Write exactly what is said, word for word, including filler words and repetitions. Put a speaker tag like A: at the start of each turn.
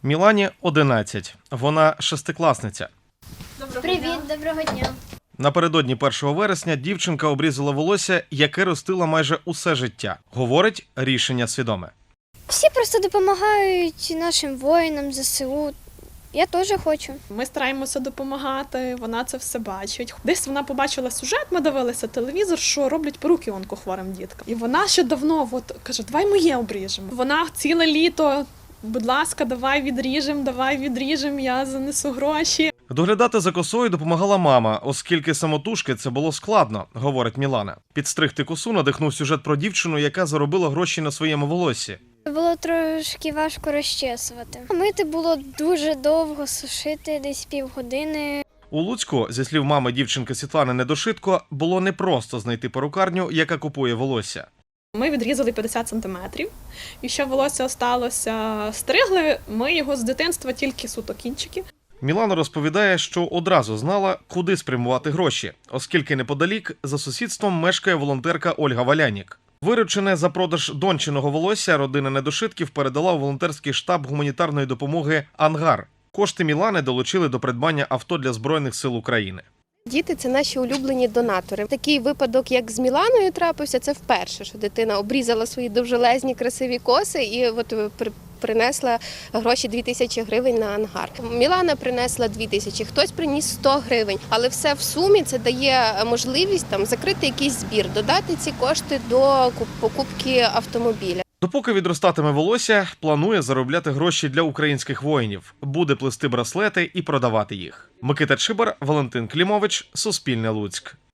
A: Мілані одинадцять. Вона шестикласниця.
B: Доброго
C: Привіт,
B: дня.
C: доброго дня.
A: Напередодні першого вересня дівчинка обрізала волосся, яке ростила майже усе життя. Говорить, рішення свідоме.
C: Всі просто допомагають нашим воїнам, ЗСУ. Я теж хочу.
B: Ми стараємося допомагати, вона це все бачить. Десь вона побачила сюжет, ми дивилися телевізор, що роблять перуки онкохворим діткам. І вона ще давно от, каже, давай моє обріжемо. Вона ціле літо, будь ласка, давай відріжемо, давай відріжемо, я занесу гроші.
A: Доглядати за косою допомагала мама, оскільки самотужки це було складно, говорить Мілана. Підстригти косу надихнув сюжет про дівчину, яка заробила гроші на своєму волоссі.
C: Було трошки важко розчесувати. Мити було дуже довго, сушити десь півгодини.
A: У Луцьку, зі слів мами дівчинки Світлани Недошитко, було непросто знайти перукарню, яка купує волосся.
B: Ми відрізали п'ятдесят сантиметрів, і що волосся осталося, стригли ми його з дитинства тільки суто кінчики.
A: Мілана розповідає, що одразу знала, куди спрямувати гроші, оскільки неподалік за сусідством мешкає волонтерка Ольга Валянік. Виручене за продаж дончиного волосся родина Недошитків передала у волонтерський штаб гуманітарної допомоги «Ангар». Кошти Мілани долучили до придбання авто для Збройних сил України.
D: Діти – це наші улюблені донатори. Такий випадок, як з Міланою трапився, це вперше, що дитина обрізала свої довжелезні красиві коси і от при- принесла гроші дві тисячі гривень на ангар. Мілана принесла дві тисячі, хтось приніс сто гривень, але все в сумі це дає можливість там закрити якийсь збір, додати ці кошти до куп- покупки автомобіля.
A: Допоки відростатиме волосся, планує заробляти гроші для українських воїнів. Буде плести браслети і продавати їх. Микита Чибар, Валентин Клімович, Суспільне Луцьк.